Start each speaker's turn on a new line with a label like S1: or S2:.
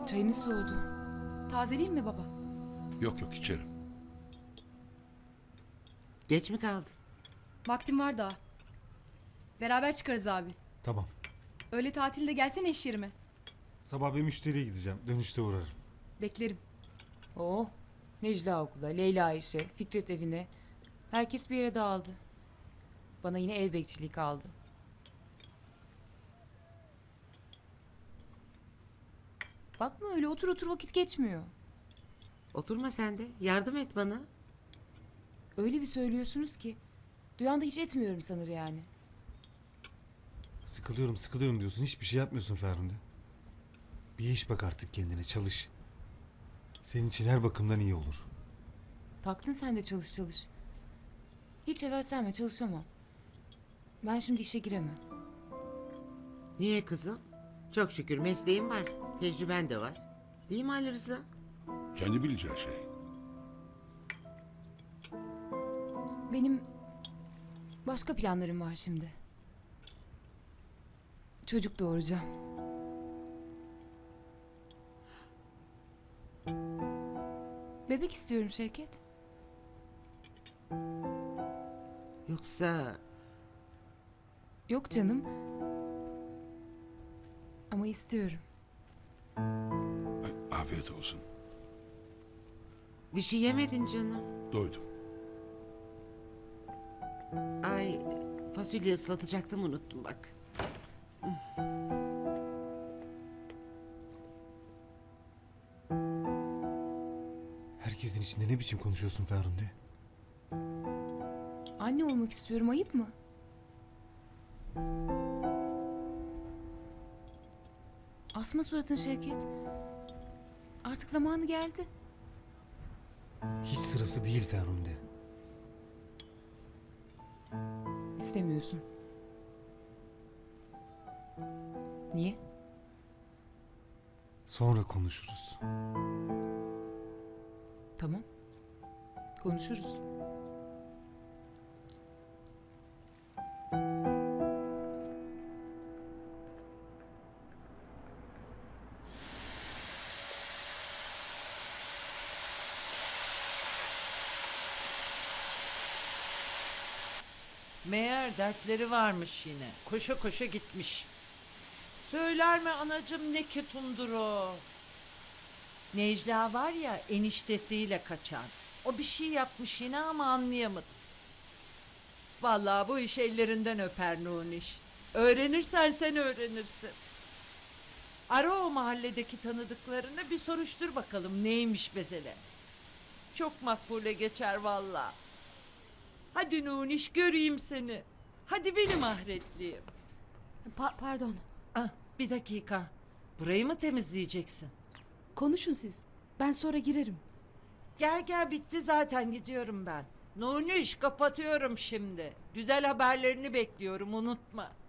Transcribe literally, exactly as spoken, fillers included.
S1: Çayınız soğudu.
S2: Tazeleyeyim mi baba?
S3: Yok yok içerim.
S4: Geç mi kaldın?
S2: Vaktim var daha. Beraber çıkarız abi.
S5: Tamam.
S2: Öğle tatilde gelsene iş yerime.
S5: Sabah bir müşteriye gideceğim. Dönüşte uğrarım.
S2: Beklerim.
S1: Oh, Necla okula, Leyla işe, Fikret evine. Herkes bir yere dağıldı. Bana yine ev bekçiliği kaldı. Bakma öyle otur otur vakit geçmiyor.
S4: Oturma sen de. Yardım et bana.
S1: Öyle bir söylüyorsunuz ki. Duyan da hiç etmiyorum sanır yani.
S5: Sıkılıyorum sıkılıyorum diyorsun. Hiçbir şey yapmıyorsun Ferhunde. Bir iş bak artık kendine. Çalış. Senin için her bakımdan iyi olur.
S1: Taktın sen de çalış çalış. Hiç evvelsenme çalışamam. Ben şimdi işe giremem.
S4: Niye kızım? Çok şükür mesleğin var. Tecrüben de var. Değil mi Ali Rıza?
S3: Kendi bileceği şey.
S1: Benim başka planlarım var şimdi. Çocuk doğuracağım. Bebek istiyorum Şevket.
S4: Yoksa
S1: Yok canım. Ama istiyorum.
S3: Ay, afiyet olsun.
S4: bir şey yemedin canım.
S3: Doydum.
S4: Ay fasulye ıslatacaktım unuttum bak.
S5: Herkesin içinde ne biçim konuşuyorsun Ferhunde?
S1: Anne olmak istiyorum, ayıp mı? Asma suratın Şevket. Artık zamanı geldi.
S5: Hiç sırası değil Ferhunde.
S1: İstemiyorsun. Niye?
S5: Sonra konuşuruz.
S1: Tamam. Konuşuruz.
S6: Meğer dertleri varmış yine. Koşa koşa gitmiş. Söyler mi anacığım ne ketumdur o? Necla var ya eniştesiyle kaçan. O bir şey yapmış yine ama anlayamadım. Vallahi bu iş ellerinden öper Nuniş. Öğrenirsen sen öğrenirsin. Ara o mahalledeki tanıdıklarını bir soruştur bakalım neymiş mesele. Çok makbule geçer vallahi. Hadi Nuniş göreyim seni. Hadi benim ahretliğim.
S7: Pa- pardon.
S6: Ah, bir dakika. Burayı mı temizleyeceksin?
S7: Konuşun siz. Ben sonra girerim.
S6: Gel gel bitti zaten gidiyorum ben. Nuniş kapatıyorum şimdi. Güzel haberlerini bekliyorum unutma.